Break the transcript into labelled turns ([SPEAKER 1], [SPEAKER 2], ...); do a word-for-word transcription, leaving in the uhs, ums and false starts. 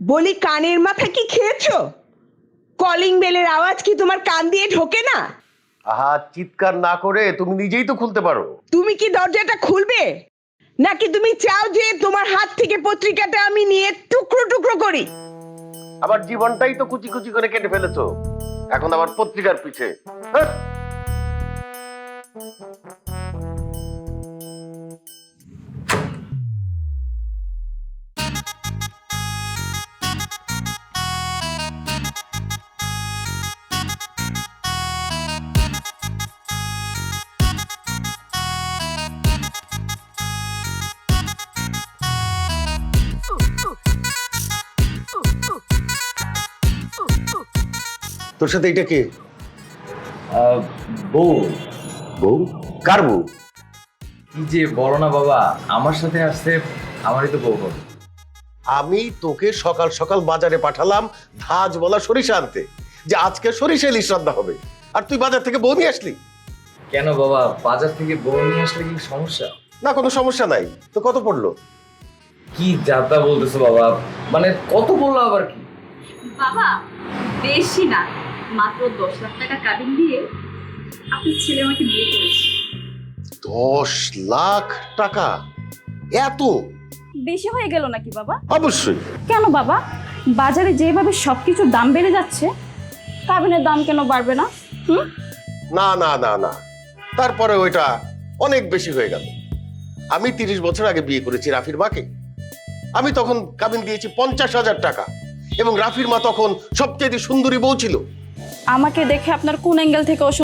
[SPEAKER 1] বলি কানের মাথা কি খেয়েছো? কলিং বেলের আওয়াজ কি তোমার কান দিয়ে ঢোকে না?
[SPEAKER 2] আহা, চিৎকার না করে তুমি নিজেই তো খুলতে পারো।
[SPEAKER 1] তুমি কি দরজাটা খুলবে, নাকি তুমি চাও যে তোমার হাত থেকে পত্রিকাটা আমি নিয়ে টুকরো টুকরো করি?
[SPEAKER 2] আবার জীবনটাই তো কুচি কুচি করে কেটে ফেলেছো, এখন আবার পত্রিকার পিছে। হ্যাঁ? তোর সাথে এটা কে?
[SPEAKER 3] বউ।
[SPEAKER 2] বউ? কার বউ?
[SPEAKER 3] কি যে বলো না বাবা, আমার সাথে আসছে আমারই তো বউ হবে।
[SPEAKER 2] আমি তোকে সকাল সকাল বাজারে পাঠালাম ধাজ বলা সরিষা আনতে, যে আজকে সরিষা ইলিশ রান্না হবে, আর তুই বাজার থেকে বউ নিয়ে আসলি।
[SPEAKER 3] কেন বাবা, বাজার থেকে বউ নিয়ে আসলে কি সমস্যা?
[SPEAKER 2] না, কোনো সমস্যা নাই। তো কত পড়লো?
[SPEAKER 3] কি যাতা বলতেছো বাবা, মানে কত বললো আবার কি?
[SPEAKER 4] বাবা বেশি না, মাত্র দশ লাখ টাকা কাবিন দিয়ে আপনার ছেলে আমাকে বিয়ে করেছে।
[SPEAKER 2] দশ লাখ টাকা? এত?
[SPEAKER 4] বেশি হয়ে গেল নাকি বাবা?
[SPEAKER 2] অবশ্যই।
[SPEAKER 4] কেন বাবা, বাজারে যেভাবে সবকিছুর দাম বেড়ে যাচ্ছে, কাবিনের দাম কেন বাড়বে না? হুম?
[SPEAKER 2] না না না না, তারপরে ওইটা অনেক বেশি হয়ে গেল। আমি তিরিশ বছর আগে বিয়ে করেছি রাফির মাকে। আমি তখন কাবিন দিয়েছি পঞ্চাশ হাজার টাকা, এবং রাফির মা তখন সবচেয়ে সুন্দরী বউ ছিল।
[SPEAKER 4] আমাকে দেখে আপনার কোন অ্যাঙ্গেল থেকে